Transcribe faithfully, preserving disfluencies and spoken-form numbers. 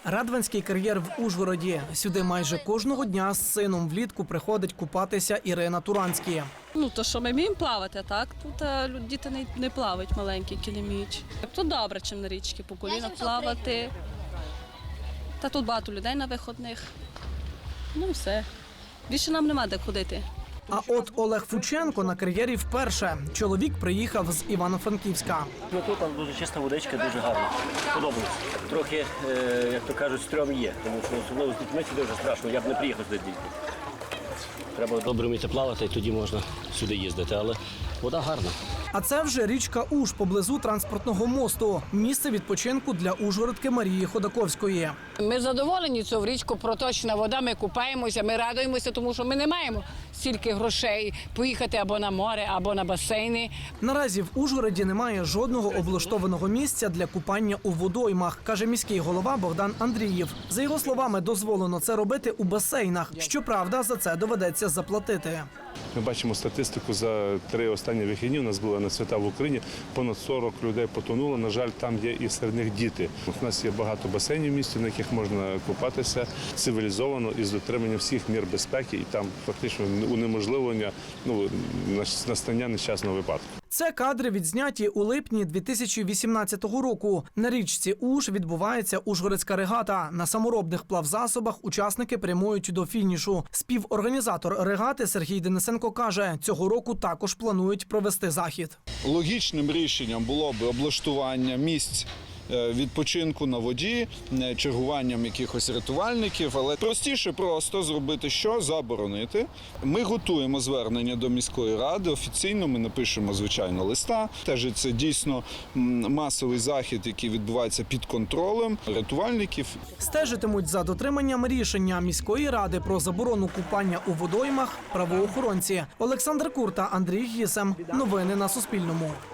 Радванський кар'єр в Ужгороді. Сюди майже кожного дня з сином влітку приходить купатися Ірина Туранські. Ну, то, що ми вміємо плавати, так? Тут а, діти не, не плавають маленькі, кіліміч. Тут добре, чим на річці, по колінах плавати. Та тут багато людей на виходних. Ну і все. Більше нам нема де ходити. А от Олег Фученко на кар'єрі вперше. Чоловік приїхав з Івано-Франківська. Ну, тут там дуже чиста водичка, дуже гарна. Подобається. Трохи, е, як то кажуть, стрьом є, тому що особливо з дітьми сюди вже страшно, я б не приїхав сюди з дітьми. Треба добре вміти плавати, і тоді можна сюди їздити, але вода гарна. А це вже річка Уж поблизу транспортного мосту. Місце відпочинку для ужгородки Марії Ходаковської. Ми задоволені, що в річку проточна вода, ми купаємося, ми радуємося, тому що ми не маємо стільки грошей поїхати або на море, або на басейни. Наразі в Ужгороді немає жодного облаштованого місця для купання у водоймах, каже міський голова Богдан Андрієв. За його словами, дозволено це робити у басейнах. Щоправда, за це доведеться заплатити. Ми бачимо статистику за три останні вихідні. У нас була на свята в Україні, понад сорок людей потонуло. На жаль, там є і серед них діти. У нас є багато басейнів в місті, на яких можна купатися цивілізовано і з дотриманням всіх мір безпеки. І там фактично унеможливлення ну, настання нещасного випадку. Це кадри відзняті у липні дві тисячі вісімнадцятого року. На річці Уж відбувається ужгородська регата. На саморобних плавзасобах учасники прямують до фінішу. Співорганізатор регати Сергій Денисенко каже, цього року також планують провести захід. Логічним рішенням було б облаштування місць відпочинку на воді, чергуванням якихось рятувальників, але простіше просто зробити що? Заборонити. Ми готуємо звернення до міської ради, офіційно ми напишемо, звичайно, листа. Теж це дійсно масовий захід, який відбувається під контролем рятувальників. Стежитимуть за дотриманням рішення міської ради про заборону купання у водоймах правоохоронці. Олександр Курта, Андрій Гісем. Новини на Суспільному.